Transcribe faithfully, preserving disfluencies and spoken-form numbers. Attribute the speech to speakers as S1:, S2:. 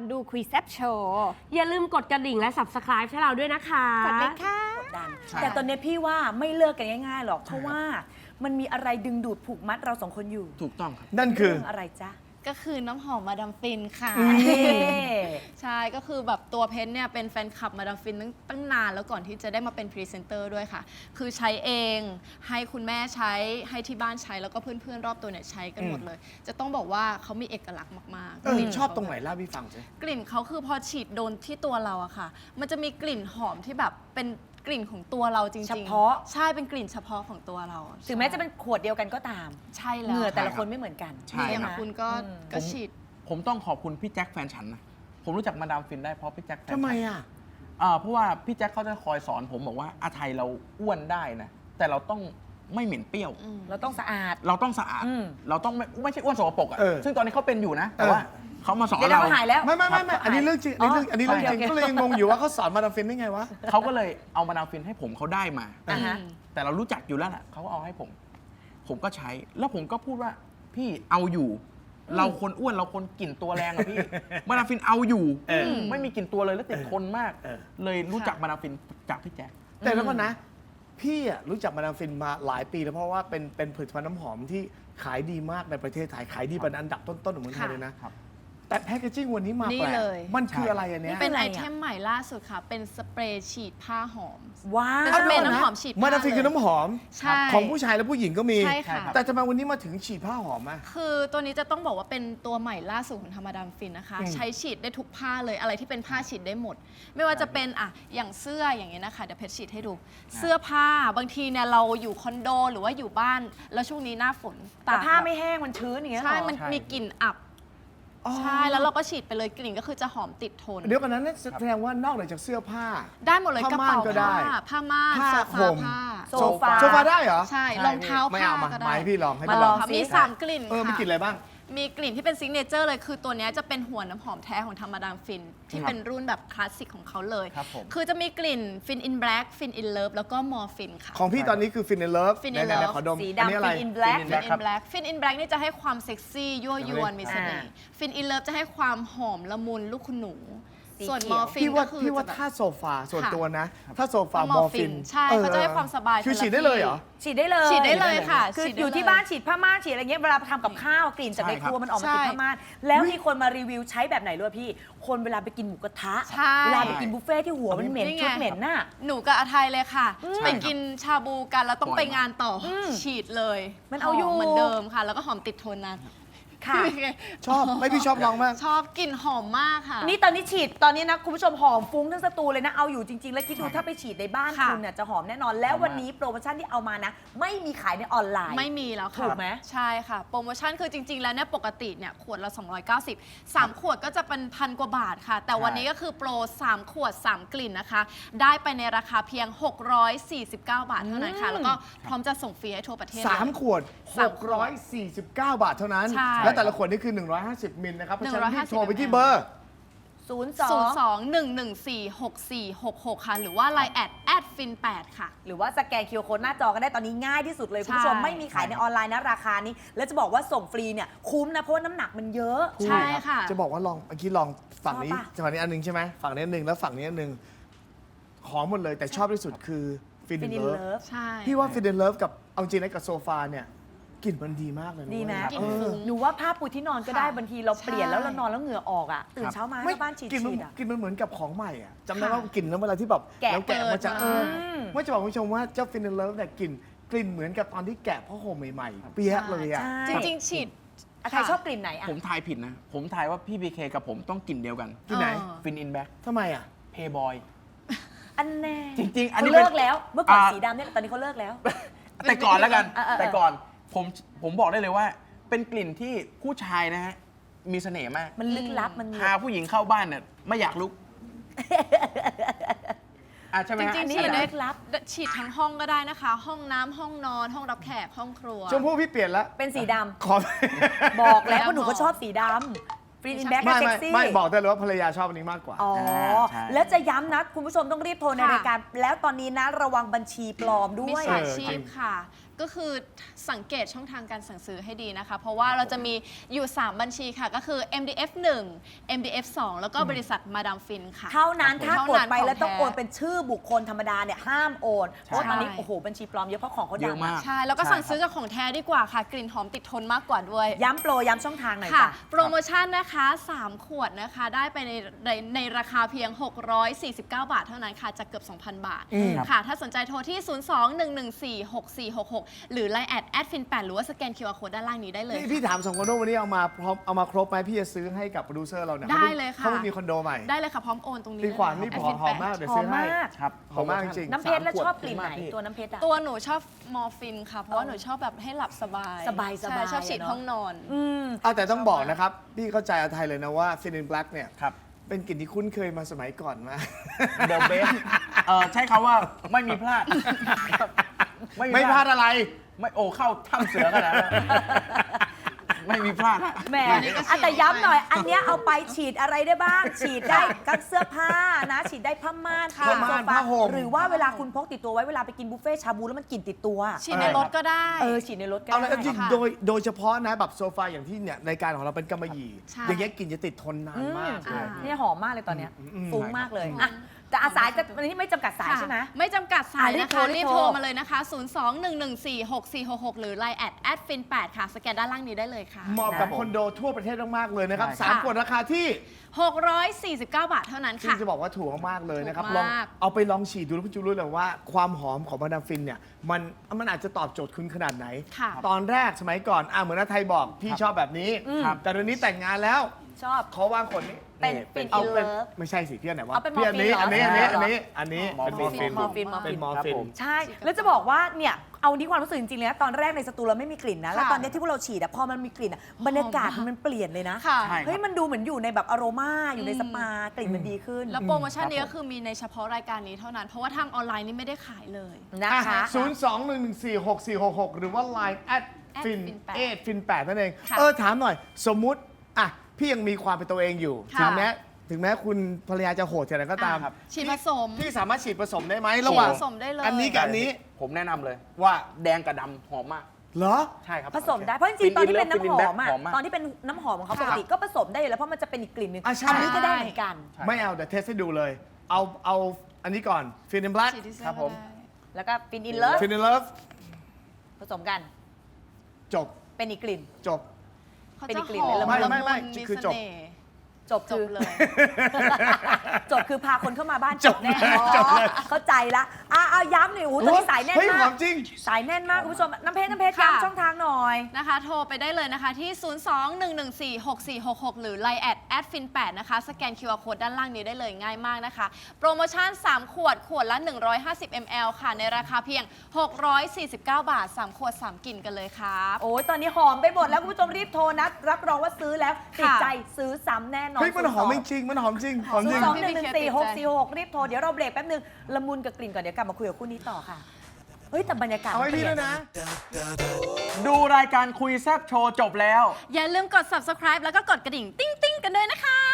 S1: อนดูคุยแซบโชว์
S2: อย่าลืมกดกระดิ่งและ ซับสไครบ์ ให้เราด้วยนะคะ
S1: กดเลยค่ะ
S3: ดันแต่ตอนนี้พี่ว่าไม่เลิกกันง่ายๆหรอกเพราะว่ามันมีอะไรดึงดูดผูกมัดเราสองคนอยู่
S4: ถูกต้องครับ
S5: นั่นคือ
S3: เรื่องอะไรจ๊ะ
S6: ก็คือน้ำหอมมาดามฟินค่ะ ใช่ ก็คือแบบตัวเพชรเนี่ยเป็นแฟนคลับมาดามฟินตั้งตั้งนานแล้วก่อนที่จะได้มาเป็นพรีเซนเตอร์ด้วยค่ะ คือใช้เองให้คุณแม่ใช้ให้ที่บ้านใช้แล้วก็เพื่อนๆรอบตัวเนี่ยใช้กันหมดเลย จะต้องบอกว่าเขามีเอกลักษณ์มาก
S5: เออก
S6: ลิ่น
S5: ชอบตรงไหนเล่าพี่ฟังสิ
S6: กลิ่นเขาคือพอฉีดโดนที่ตัวเราอะค่ะ มันจะมีกลิ่นหอมที่แบบเป็นกลิ่นของตัวเราจริงๆ
S3: เฉพาะ
S6: ใช่เป็นกลิ่นเฉพาะของตัวเรา
S3: ถึงแม้จะเป็นขวดเดียวกันก็ตาม
S6: ใช่
S3: เห
S6: แล้ว
S3: งื่อแต่ละ
S4: ใช่
S3: คนไม่เหมือนกัน
S4: ใช่
S6: อย่าง
S3: ไหม
S6: คุณก็
S3: อืม
S6: ก็ฉีด
S4: ผมต้องขอบคุณพี่แจ็คแฟนฉันนะ ผมรู้จักมาดามฟินได้เพราะพี่แจ็คแฟนฉัน
S5: ทำไมอ่ะ
S4: อ่าเพราะว่าพี่แจ็คเขาจะคอยสอนผมบอกว่าอาไทยเราอ้วนได้นะ แต่เราต้องไม่เหม็นเปรี้ยว
S3: เราต้องสะอาด
S4: เราต้องสะอาด
S3: อืม
S4: เราต้องไม่ไม่ใช่อ้วนสกปรกอ่ะ
S5: เออ
S4: ซึ่งตอนนี้เขาเป็นอยู่นะ แต่
S5: เออ
S4: ว่าเขามาสอน
S3: เดี๋ยว
S4: เรา
S3: เราหายแล้ว
S5: ไม่ไม่ไม่ไม่อันนี้เรื่องจริงอันนี้เรื่องอันนี้เรื่องจริง
S3: โอเค
S5: ก็เลยยังงงอยู่ว่าเขาสอนมาดามฟินได้ไงวะ
S4: เขาก็เลยเอามาดามฟินให้ผมเขาได้มา
S3: อ่าฮะ
S4: แต่เรารู้จักอยู่แล้วแหละเขาก็เอาให้ผม ผมก็ใช้ แล้วผมก็พูดว่าพี่เอาอยู่ เราคนอ้วนเราคนกลิ่นตัวแรงอะพี่ มาดามฟินเอาอยู่
S5: เออ
S4: ไม่มีกลิ่นตัวเลยแล้วติดทนมาก
S5: เออ
S4: เลยรู้จักมาดามฟินจากพี่แจ๊ค
S5: แต่แล้วก็นะ พี่อะรู้จักมาดามฟินมาหลายปีแล้วเพราะว่าเป็นเป็นผลิตภัณฑ์น้ำหอมที่ขายดีมากในประเทศไทยขายดีเป็นอันดับต้นๆของเมืองไทยเลยนะ
S4: ครับ
S5: แต่แพคเกจิ้งวันนี้มา
S6: นี่
S5: แปลก
S6: เลย
S5: มันคืออะไรอันเนี้ย
S6: เป็น
S3: อะไร
S6: ไอ
S3: อะ
S6: เทมใหม่ล่าสุดค่ะ เป็นสเปรย์ฉีดผ้าหอม
S3: ว้า
S6: เป็น
S3: ว
S6: สเปรย์น้ำหอมฉีดผ้า
S5: มาดามฟินคือน้ำหอม
S6: ใช่
S5: ของผู้ชายและผู้หญิงก็มี
S6: ใช่ค่ะ
S5: แต่ทำไมวันนี้มาถึงฉีดผ้าหอมอ่ะ
S6: คือตัวนี้จะต้องบอกว่าเป็นตัวใหม่ล่าสุดของธรรมดามฟินนะคะ
S5: อืม
S6: ใช้ฉีดได้ทุกผ้าเลยอะไรที่เป็นผ้าฉีดได้หมด ไม่ว่าจะเป็นอ่ะอย่างเสื้ออย่างเงี้ยนะคะเดี๋ยวเพชรฉีดให้ดู เสื้อผ้าบางทีเนี่ยเราอยู่คอนโดหรือว่าอยู่บ้าน แล้วช่วงนี้หน้าฝน
S3: แต่
S6: ตาก
S3: ผ้าไม่แห้งมันชื้นอย่างเงี้ยเหร
S6: ใช่
S3: อ
S6: มัน
S4: ใช่
S6: มีกลิ่นอับ
S5: อ๋อ
S6: ใช่แล้วเราก็ฉีดไปเลยกลิ่นก็คือจะหอมติดทน
S5: เดี๋ยวกันนั้นนั่นแสดงว่านอกเหนือจากเสื้อผ้า
S6: ได้หมดเลย
S5: ผ้าก
S6: ระ
S5: ม่าน
S6: เป๋า
S5: ก็ได้
S6: ผ้าผ้าม่าน
S5: ผ้า
S6: โซ
S5: ห่
S6: ฟาม ผ้า
S3: โซฟา
S5: โซฟาได้เหรอ
S6: ใช่รองเท้า
S5: ไม่
S6: ผ้า
S5: เอามา
S6: ก็ได้
S5: ไมาให้พี่ลองให้
S3: มา
S5: พี่
S3: ล
S5: ล
S3: อ
S5: อง ง
S3: สิ
S6: มีสามกลิ่น
S5: เออมี
S6: ค่ะ
S5: กลิ่นอะไรบ้าง
S6: มีกลิ่นที่เป็นซิกเนเจอร์เลยคือตัวเนี้ยจะเป็นหัวน้ำหอมแท้ของธรรมดามฟิน ที่
S4: ครับ
S6: เป็นรุ่นแบบคลาสสิกของเขาเลย
S4: ครับผม
S6: คือจะมีกลิ่นฟินอินแบล็กฟินอินเลิฟแล้วก็มอร์ฟินค่ะ
S5: ของพี่ตอนนี้คือฟินเนลเลิฟ
S6: Fin
S5: ไห
S6: in
S5: น
S6: Love
S5: ๆขอดม
S3: สี
S5: อันนี้
S3: ดำ
S5: อะไร
S3: ฟินอินแบล็ก
S4: Fin in
S6: ฟิน
S4: Black
S6: อินแบล็กฟินอินแบล็กนี่จะให้ความเซ็กซี่ยั่วยวนมีเสน่ห์ฟินอินเลิฟจะให้ความหอมละมุนลูกคุณหนู
S3: สี
S6: ส่วน
S3: เขี
S6: ม
S3: ยว
S6: อร์ฟิน
S5: พี่ว่า
S6: ก็คือ
S5: พี่ว่า
S6: จะแบบ
S5: ถ้าโซฟาส่วน
S6: ค่ะ
S5: ตัวนะ ถ้าโซฟา
S6: ก็
S5: มอร์ฟิน
S6: ใช่เขาจะให้ความสบาย
S5: คือ
S6: คนละ
S5: ฉีดได้เลยเหรอ
S3: ฉีดได้เลย
S6: ฉีดได้เลยค่ะ
S3: คือ
S6: ฉีดได้
S3: อยู่ที่
S6: เลย
S3: บ้านฉีดผ้าม่านฉีดอะไรเงี้ยเวลาทำกับข้าวกลิ่นจากใน
S4: ใช่
S3: ค
S4: ครับ
S3: รัวมันออกมา
S6: ใช่
S3: ติดผ้าม่านแล้วมีคนมารีวิวใช้แบบไหนรู้พี่ คนเวลาไปกินหมูกระทะ
S6: ใช่
S3: เวลาไปกินบุฟเฟ่ที่หัวมันเหม็น
S6: นี่ไง
S3: ชุดเหม็นน่ะ
S6: หนูกับอาไทยเลยค่ะ
S4: ใช่
S6: ไป
S4: ครับ
S6: กินชาบูกันแล้วต้อง
S4: บ่อย
S6: ไปงานต่ออ
S3: ม
S6: ฉีดเลย
S3: มันเอาอยู่
S6: หเหมือนเดิมค่ะ แล้วก็หอมติดทนนาน
S3: ค่ะ
S5: ชอบไม่พี่ชอบลองมาก
S6: ชอบกลิ่นหอมมากค่ะ
S3: นี่ตอนนี้ฉีดตอนนี้นะคุณผู้ชมหอมฟุ้งทั้งสตูเลยนะเอาอยู่จริง ๆ แล้วคิดดูถ้าไปฉีดในบ้าน
S6: ค่ะ
S3: คุณเนี่ยจะหอมแน่นอน แล้ววันนี้โปรโมชั่นที่เอามานะ ไม่มีขายในออนไลน์
S6: ไม่มีแล้วค่ะ
S3: ถูกไหม
S6: ใช่ค่ะ โปรโมชั่นคือจริง ๆ แล้วเนี่ยปกติเนี่ยขวดละ สองร้อยเก้าสิบ สามขวดก็จะเป็นพันกว่าบาทค่ะ แต่วันนี้ก็คือโปร สาม ขวด สาม กลิ่นนะคะ ได้ไปในราคาเพียง หกร้อยสี่สิบเก้า บาทเท่านั้นค่ะ แล้วก็พร้อมจะส่งฟรีให้ทั่วประเทศ
S5: สาม
S6: เลย
S5: ขวด
S6: สามขวด
S5: หกร้อยสี่สิบเก้า บาทเท่านั้น
S6: ใช่
S5: และแต่ละขวดนี่คือ หนึ่งร้อยห้าสิบ มิลนะครับเพราะฉะนั้นรีบโทรไปที่เบอร์
S3: ศูนย์
S6: ศูนย์
S3: ส
S6: ส
S3: อง
S6: อง หนึ่ง หนึ่ง สี่ หก สี่ หก หก ค่ะ หรือว่า ไลน์ แอด แอด ฟิน แปด ค่ะ
S3: หรือว่าสแกนคิวโค้ดหน้าจอก็ได้ตอนนี้ง่ายที่สุดเลย
S6: ใช่
S3: คุณผู้ชมไม่มีขายในออนไลน์นะราคานี้ แล้วจะบอกว่าส่งฟรีเนี่ยคุ้มนะเพราะว่าน้ำหนักมันเยอะ
S6: ใช่ค่ะ
S5: จะบอกว่าลองเมื่อกี้ลองฝั่งนี้
S3: ชอบปะ
S5: ฝั่งนี้อันหนึงใช่ไหมฝั่งนี้อันหนึงแล้วฝั่งนี้อันหนึงหอมหมดเลยแต่ชอบที่สุดคือฟิน
S3: ฟิน
S5: เลิ
S3: อิน
S5: ฟ
S3: เลิฟ
S6: ใช่
S5: พี่ว่าฟินเลิฟกับเอาจริงนะกับโซฟาเนี่ยกลิ่นมันดีมากเลยนะ
S3: ดีไหม
S5: เว้ย
S6: กลิ่นฟุ้ง
S3: หนูว่าผ้าปูที่นอนก็ได้
S6: ค่ะ
S3: บางทีเราเปลี่ยน
S6: ใช่
S3: แล้วเรานอนแล้วเหงื่อออกอ่ะตื่นเช้ามา
S5: ไม่
S3: เข้าบ้านฉีด
S5: กลิ่นมัน
S3: ฉีดอ่ะ
S5: กลิ่นมันเหมือนกับของใหม่อ่ะจำได้
S6: ค่ะ
S5: ว่ากลิ่นแล้วเวลาที่แบบ
S3: แกะ
S5: แล้วแกะมาจาก
S6: เปิ
S5: เอ
S6: ด
S5: อ
S6: มา
S5: ไม่จะบอกคุณผู้ชมว่าเจ้าฟินเลิฟเนี่ยกลิ่นกลิ่นเหมือนกับตอนที่แกะผ้าห่มใหม่ๆเปียกเลยอ่ะ
S3: ใช่
S6: จริง ๆ ฉีด
S3: อาใครชอบกลิ่นไหนอ่ะ
S4: ผมทายผิดนะ ผมทายว่าพี่บีเคกับผมต้องกลิ่นเดียวกัน
S5: ที่ไหน
S6: เออ
S4: ฟินอินแบ็ก
S5: ทำไมอ่ะ
S4: เพย์บอย
S3: อันแน่
S4: จริงๆอันนี้
S3: เขาเลิก
S4: เป็น
S3: แล้วเมื่อก่อน
S4: อ่า
S3: สีดำเนี่ยตอนนี้เขาเลิกแล้ว
S4: แต่ก่อนแล้วกัน
S3: เออเออเออ
S4: แต่ก่อนผมผมบอกได้เลยว่า เป็นกลิ่นที่ผู้ชายนะฮะมีเสน่ห์มาก
S3: มันลึกลับมันมี
S4: พาผู้หญิงเข้าบ้านเนี่ยไม่อยากลุกอ่ะใช่ไหม
S6: จ
S4: ฮะ
S6: ริงๆ
S3: นี่
S6: ฉีด
S3: มัน
S6: ได้
S3: ลึกลับ
S6: ฉีดทั้งห้องก็ได้นะคะ ห้องน้ำห้องนอน ห้องรับแขก ห้องครัว
S5: ชมพู่พี่เปลี่ยนแล้ว
S3: เป็นสีด
S5: ขอ
S3: ำบอกแล้วว่าหนูก็ชอบสีดำฟรีนอินแบ็ก
S5: ไม่
S3: เซ็
S5: ไม่
S3: กซี่
S5: ไม่บอกได้เลยว่าภรรยาชอบอันนี้มากกว่า
S3: อ๋อ
S4: ใช่
S3: แล้วจะย้ำนะ คุณผู้ชมต้องรีบโทรใน
S6: ค่ะ
S3: รายการ แล้วตอนนี้นะระวังบัญชีปลอมด้
S6: มิ
S3: วย
S6: จฉา
S5: เออ
S6: ชี
S5: จริ
S6: พ
S5: ง
S6: ค่ะก็คือสังเกตช่องทางการสั่งซื้อให้ดีนะคะ เพราะว่าเราจะมีอยู่ สาม บัญชีค่ะ ก็คือ เอ็ม ดี เอฟ หนึ่ง เอ็ม ดี เอฟ สอง แล้วก็บริษัทมาดามฟินค่ะ
S3: เท่านั้นถ้ากดไปแล้วต้อง
S6: เท่านั้น
S3: โอนเป็นชื่อบุคคลธรรมดาเนี่ยห้ามโอนเพราะว่าตอนนี้
S6: ใช่
S3: โอ้โหบัญชีปลอมเยอะเพราะของเขา
S4: เย
S3: ดั
S4: อะ
S3: ง
S4: มาก
S6: ใช่ แล้วก็
S4: ใช่
S6: สั่งซื้อ
S4: ครับ
S6: กับของแท้ดีกว่าค่ะ กลิ่นหอมติดทนมากกว่าด้วย
S3: ย้ำโปรย้ำช่องทางหน่อย
S6: ค่ะ
S3: จ้ะ
S6: โปรโมชั่นนะคะ สาม ขวดนะคะ ได้ไปในในในราคาเพียง หกร้อยสี่สิบเก้า บาทเท่านั้นค่ะ จากเกือบ สองพัน บาท ค่ะ ถ้าสนใจโทรที่ ศูนย์ สอง หนึ่ง หนึ่ง สี่ หก สี่ หก หก หรือ ไลน์ แอด แอดฟินแปด หรือว่าสแกน คิว อาร์ Code ด้านล่างนี้ได้เลย
S5: พี่พี่ถามสองคอนโดวันนี้เอามาพร้อมเอามาครบไหมพี่จะซื้อให้กับโปรดิวเซอร์เราเนี่ย
S6: ได้เลยค่ะ
S5: เขาไม่มีคอนโดใหม่
S6: ได้เลยค่ะ พร้อมโอนตรงนี้
S5: พี่ขวัญ
S6: เลย
S5: นี่
S6: ค่ะ
S5: หอมหอมมาก เดี๋ยวซื้อให้
S3: หอมมาก
S4: ครับ
S5: หอมมากจริง
S3: น้ำเพชรแล้ว
S4: สามขวด
S3: ชอบกลิ่นไหน
S4: คุ้มมากพี่
S3: ตัวน้ำเพชรอะ
S6: ตัวหนูชอบมอร์ฟินค่ะ เพราะว่าหนูชอบแบบให้หลับสบาย
S3: สบายสบาย
S6: ใช่ชอบฉีด
S3: อะเนอะ
S6: ห้องนอน
S3: อืม
S5: เอาแต่ต้องบอกนะครับ พี่เข้าใจอาไทยเลยนะว่าฟินินแบล็กเนี่ย
S4: ครับ
S5: เป็นกลิ่นที่คุ้นเคยมาสมัยก่อนมาก
S4: เดอะเบสเออใช้คำว่าไม่มีพลาด
S5: ไม่พลาดอะไร
S4: ไม่โอ้เข้าถ้ำเสือกันแล้วไม่มีพลาดฮะ
S3: แหม
S6: อันนี้ก็ฉีด
S3: อ่ะแต่ย้ำหน่อย อันเนี้ยเอาไปฉีดอะไรได้บ้าง ฉีดได้กับเสื้อผ้านะ ฉีดได้ผ้าม่าน
S6: ค่ะ
S3: เตียงโซ
S5: ผ้าม่าน
S3: ฟา
S5: ผ้าห่ม
S3: หรือว่าเวลาคุณพกติดตัวไว้เวลาไปกินบุฟเฟ่ชาบูแล้วมันกลิ่นติดตัว
S6: ฉีดในรถก็ได้
S3: เออ ฉีดในรถก็
S5: เอาเลย
S3: ได้
S5: จริง
S6: ค่ะ
S5: โดยโดยเฉพาะนะแบบโซฟาอย่างที่เนี่ยรายการของเราเป็นกำมะหยี่
S6: ใช่
S5: อย่างเงี้ยกลิ่นจะติดทนนานมากเลย
S6: อืม
S3: เนี่ยหอมมากเลยตอนเนี้ย
S5: อืม
S3: ฟุ้งมากเลยอ่ะแต่อาสายจะวันนี้ไม่จำกัดสาย
S6: ค่ะ
S3: ใช่ไหม
S6: ไม่จำกัดสาย
S3: อ่ะรีบ
S6: นะ
S3: โทร
S6: คะ
S3: รี
S6: รี
S3: บบ โท
S6: โท
S3: ร
S6: รมาเลยนะคะ ศูนย์ สอง หนึ่ง หนึ่ง สี่ หก สี่ หก หก หรือ ไลน์ แอด แอดฟินแปด ค่ะ สแกนด้านล่างนี้ได้เลยค่ะ
S5: เหมาะกับ
S4: นะ
S5: คอนโดทั่วประเทศมากๆเลยนะครับ
S4: ใช่
S5: สาม
S6: ค่ะ
S5: ขวดราคาที่
S6: หกร้อยสี่สิบเก้า บาทเท่านั้น
S5: ซึ่ง
S6: ค่ะ
S5: จะบอกว่าถูกมากๆเลยนะครับ
S6: ถูก
S5: ลอง
S6: มาก
S5: เอาไปลองฉีดดูแล้วคุณจะรู้เลยว่าความหอมของมาดามฟินเนี่ยมันมันอาจจะตอบโจทย์คุณขนาดไหน
S6: ค่ะ
S5: ตอนแรกสมัยก่อนอ่ะเหมือนอาไทยบอกพี่ชอบแบบนี้
S4: ครับ
S5: แต่เดี๋ยวนี้แต่งงานแล้ว
S3: ชอบ
S5: ขอวางคนนี้
S3: เป็น
S4: นี่
S3: เป็น
S5: เอา
S3: อิน
S5: เป็น
S3: เลิฟ
S5: ไม่ใช่สิพี่อันไหนวะ
S3: เอาเป็น
S5: พี่อันนี้
S3: มอ
S5: อั
S3: ร์
S5: น
S3: ฟิ
S5: นี้
S3: น
S5: อัน
S3: เหรอ
S5: นี้อันนี้อันนี้
S4: มอร์
S5: เป็นมอร์ฟิน
S3: มอร์ฟินมอร์ฟิน
S5: เป็นมอร์
S4: ครับ
S5: ฟิน
S4: ผม
S3: ใช่ แล้วจะบอกว่าเนี่ยเอานี้ความรู้สึกจริงๆเลยนะตอนแรกในสตูเราไม่มีกลิ่นนะ แล้ว
S6: ค่ะ
S3: ตอนนี้ที่พวกเราฉีดอะพอมันมีกลิ่นอะบรรยากาศมันเปลี่ยนเลยนะ
S6: ค่ะ
S4: ใช่
S3: เฮ้ยมันดูเหมือนอยู่ในแบบอโรมาอยู่ใน
S6: อืม
S3: สปากลิ่นมันดีขึ้น
S6: แล้วโปรโมชั่นนี้
S4: ครับ
S6: ก็คือมีในเฉพาะรายการนี้เท่านั้น เพราะว่าทางออนไลน์นี่ไม่ได้ขายเลย
S3: นะคะ
S5: ศูนย์สองหนึ่งหนึ่งสี่หกสี่หกหกหรือว่า Line แอดฟิน
S6: ฟินแปด
S5: เอฟินแปดนั่นเอง
S6: ค่ะ
S5: เออ ถามหน่อย สมมุติ อ่ะ พี่ยังมีความเป็นตัวเองอยู่
S6: ค่ะ
S5: ถึงแม้ถึงแม้คุณภรรยาจะโหดแค่ไหนก็ตาม
S6: อ่ะฉีดผสม
S5: พี่สามารถฉีดผสมได้ไหมระหว่าง
S6: ฉีดผสมได้เลย
S5: อันนี้กับอันนี้
S4: ผมแนะนำเลย
S5: ว่า
S4: แดงกับดำหอมมาก
S5: เหรอ
S4: ใช่ครับ
S3: ผสมได้เพราะจริงๆตอนที่เป็นน้ำหอมอะ
S4: หอมมาก
S3: ตอนที่เป็นน้ำหอมของเขา
S6: ค่ะ
S3: ปกติก็ผสมได้อยู่แล้วเพราะมันจะเป็นอีกกลิ่นหนึง
S5: อ่ะใช่
S3: อันนี้ก็ได้เหมือนกัน
S4: ใช่
S5: ไม่เอาเดี๋ยวเทสให้ดูเลย เอาเอาอันนี้ก่อนฟินแบล็ก
S6: ฉีดที่เสื้อ
S4: ครับผม
S6: ก็ได้
S3: แล้วก็ฟินอินเลิฟ
S5: ฟินเลิฟ
S3: ผสมกัน
S5: จบ
S3: เป็นอีกกลิ่น
S5: จบ
S6: เขา
S3: เป็น
S6: จะ
S3: อีกกลิ่น
S6: หอ
S3: เลย
S6: ม
S5: ไม่
S6: ละ
S5: ไม่
S6: มุ
S5: ไม่
S6: นมี
S5: คือ
S6: เส
S5: จบ
S6: น่ห์
S3: จบ
S6: จ
S3: คื
S6: บ
S3: อ
S6: เลย
S3: จบคือพาคนเข้ามาบ้าน
S5: จบ
S3: แน่
S5: เลยจบเลย
S3: เข้าใจละอ่ะเอาย้ำหน่อยโอ้โหตอนนี้สายแน่น
S5: เฮ้ยห
S3: มา
S5: อก มจริง
S3: สายแน่นมากคุณผู้ชมน้ำเพชรน้ำเพชร
S6: ค่ะ
S3: ย้ำช่องทางหน่อย
S6: นะคะ โทรไปได้เลยนะคะที่ ศูนย์ สอง หนึ่ง หนึ่ง สี่ หก สี่ หก หก หรือ ไลน์ แอด แอดฟินแปด นะคะ สแกน คิว อาร์ Code ด้านล่างนี้ได้เลยง่ายมากนะคะ โปรโมชั่น สาม ขวด ขวดละ หนึ่งร้อยห้าสิบมิลลิลิตร ค่ะ ในราคาเพียง หกร้อยสี่สิบเก้า บาท สาม ขวด สาม กลิ่นกันเลยครับ
S3: โอ้ยตอนนี้หอมไปหมดแล้วคุณผู้ชมรีบโทรนะรับรองว่าซื้อแล้วติด
S6: ค่ะ
S3: ใจซื้อซ้ำแน่นอน
S5: เฮ้ยมันหอมจริงๆมันหอมจริงหอมจ
S3: ศู
S5: ริ
S3: น
S5: ง
S3: ย์สองหนึ่งหนึ่งสี่หกสี่หกรีบโทรเดี๋ยวเราเบรกแป๊บนึงละมุนกับกลิ่นก่อนเดี๋ยวกลับมาคุยกับคู่นี้ต่อค่ะเฮ้ยแต่บรรยากาศ
S5: เอาให้พี่
S3: เป
S5: ด้
S3: ลี่
S5: วยนะ
S4: ดูรายการคุยแซบโชว์จบแล้ว
S6: อย่าลืมกด subscribe แล้วก็กดกระดิ่ง ติ้งๆ กันด้วยนะคะ